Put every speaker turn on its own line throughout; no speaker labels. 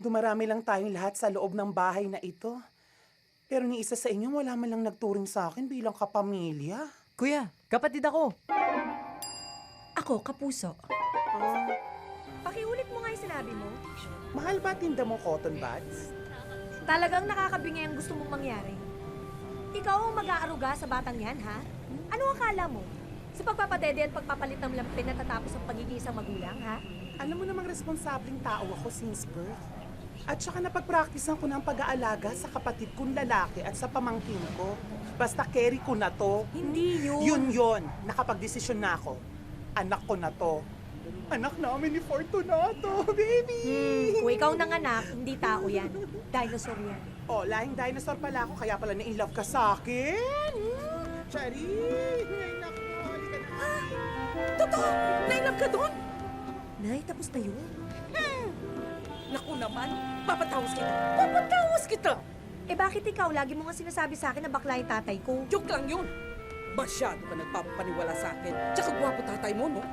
Dumarami lang tayong lahat sa loob ng bahay na ito. Pero ni isa sa inyo wala man lang nagturing sa akin bilang kapamilya.
Kuya, kapatid ako.
Ako, kapuso.
Ah,
Pakiulit mo nga yung sinabi mo.
mahal ba tinda mo cotton buds?
Talagang nakakabingi ang gusto mong mangyari. Ikaw ang mag-aaruga sa batang yan, ha? Ano akala mo? Sa pagpapadede at pagpapalit ng lampin natatapos ang pagiging isang magulang, ha?
Alam mo namang responsableng tao ako since birth. At saka napag-practicean ko ng pag-aalaga sa kapatid kong lalaki at sa pamangkin ko. Basta carry ko na to.
Hindi
Yun. Nakapag-desisyon na ako. Anak ko na to. Anak namin ni Fortunato, baby!
Kung ikaw nanganak, hindi tao yan. Dinosaur yan.
Oh, lahing dinosaur pala ako, kaya pala na-inlove ka sa akin. Charing! Ay, naku, halika na.
Totoo! Nailove ka doon? Nay, tapos na yun.
Naku naman, papatawas kita. Papatawas kita!
Eh bakit ikaw lagi mo nga sinasabi sa akin na bakla yung tatay ko?
Joke lang yun. Masyado ka nagpapaniwala sa akin. Tsaka gwapo tatay mo, no?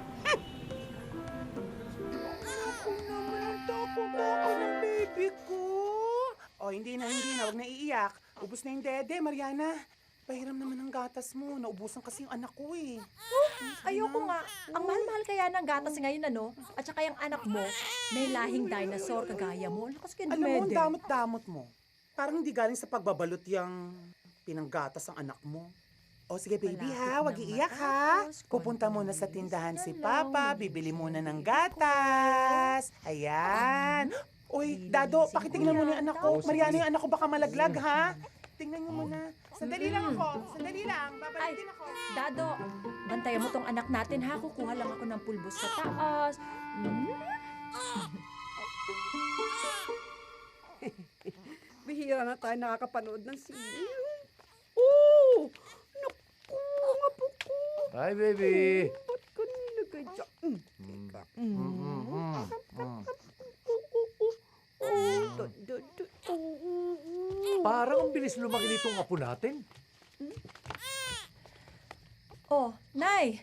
Ako naman, takot ako ng baby ko. Oh, hindi na. Huwag na iiyak. Ubus na yung dede, Mariana. Pahiram naman ang gatas mo. Naubusan kasi yung anak ko eh.
Ayoko nga. Ang mahal-mahal kaya ng gatas ngayon, ano? At saka yung anak mo, may lahing dinosaur kagaya mo. Lakas ka
Alam mo, ang damot-damot mo. Parang hindi galing sa pagbabalot yung pinanggatas ang anak mo. O sige baby ha, wag iiyak ha. Pupunta muna sa tindahan si Papa, bibili muna ng gatas. Ayan. Uy, Dado, pakitingnan mo na yung anak ko. Mariana, yung anak ko baka malaglag ha. Tingnan niyo muna. Sandali lang ako. Sandali lang. Babalikin ako.
Dado, bantayan mo tong anak natin ha. Kukuha lang ako ng pulbos sa taas.
Bihira na tayo nakakapanood ng sine. Oh! Naku, mga po ko.
Hi, baby.
Ba't kanina ka dyan? Teka.
Parang ang bilis lumaki nitong apo natin.
Oh, Nay!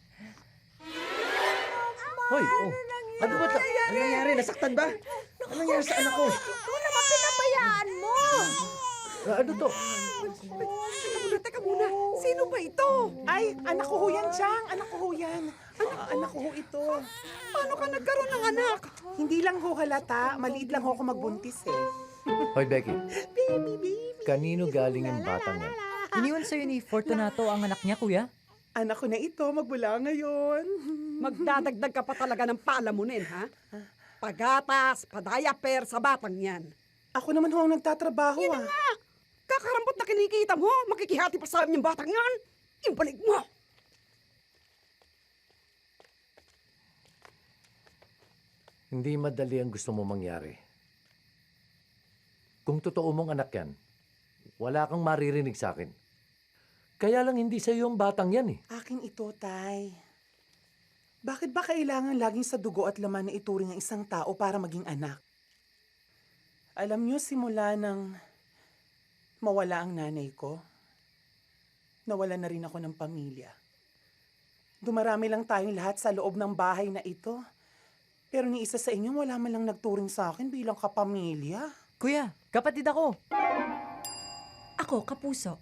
Hoy, ano ba?
Ano nangyari? Nasaktan ba? Ano nangyari sa anak ko?
Pinabayaan mo!
Ano to?
Teka muna. Sino ba ito?
Ay, anak ko ho yan, Chang. Anak ko ho yan. Anak ko ho ito.
Paano ka nagkaroon ng anak?
Hindi lang ho halata. Maliit lang ho ako magbuntis eh.
Hoy, Becky.
Baby.
Kanino galing yung batang yan?
Iniwan sa'yo ni Fortunato ang anak niya, kuya?
Anak ko na ito, magmula ngayon.
Magdadagdag ka pa talaga ng palamunin, ha? Pagatas, padayaper sa batang yan.
Ako naman ho ang nagtatrabaho ah.
Kakarambot na kinikita mo, makikihati pa sa amin yung batang yan. Ibalik mo!
Hindi madali ang gusto mo mangyari. Kung totoo mong anak yan, wala kang maririnig sa akin. Kaya lang hindi sa iyo ang batang yan eh.
Akin ito, Tay. Bakit ba kailangan laging sa dugo at laman na ituring ang isang tao para maging anak? Alam niyo, simula nang mawala ang nanay ko, nawala na rin ako ng pamilya. Dumarami lang tayong lahat sa loob ng bahay na ito. Pero ni isa sa inyo wala man lang nagturing sa akin bilang kapamilya.
Kuya, kapatid ako.
Ako, kapuso.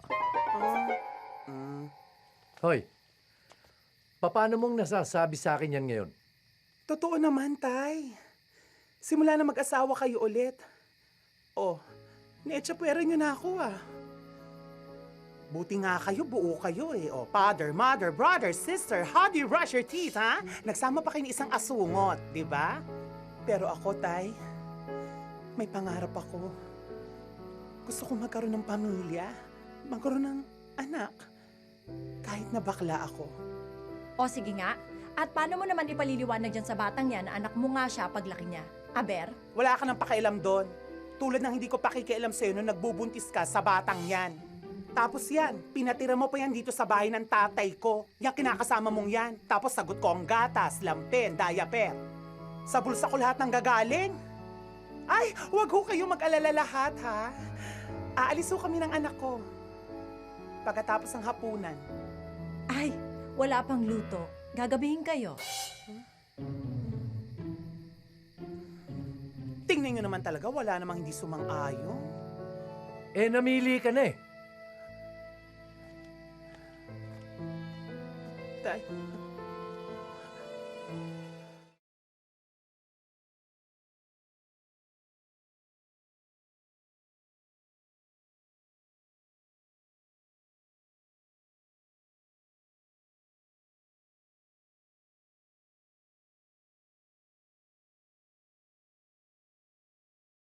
Hoy, paano mong nasasabi sa akin yan ngayon?
Totoo naman, Tay. Simula na mag-asawa kayo ulit. Oh, naetsapwera niyo na ako ah. Buti nga kayo, buo kayo eh. Oh, father, mother, brother, sister, how do you brush your teeth, ha? Nagsama pa kayo ng isang asungot, di ba? Pero ako, Tay, may pangarap ako. Gusto ko magkaroon ng pamilya, magkaroon ng anak, kahit na bakla ako.
O sige nga. At paano mo naman ipaliliwanag dyan sa batang yan na anak mo nga siya paglaki niya? Aber?
Wala ka nang pakialam doon. Tulad ng hindi ko pakikialam sa'yo nung nagbubuntis ka sa batang yan. Tapos yan, pinatira mo pa yan dito sa bahay ng tatay ko. Yung kinakasama mong yan. Tapos sagot ko ang gatas, lampin, diaper. Sa bulsa ko lahat ng gagaling. Ay, wag ho kayo mag-alala lahat, ha? Aalis ho kami ng anak ko. Pagkatapos ng hapunan.
Ay, wala pang luto. Gagabihin kayo.
Tingnan nyo naman talaga, wala namang hindi sumang-ayon.
Eh, namili ka na eh.
Tay,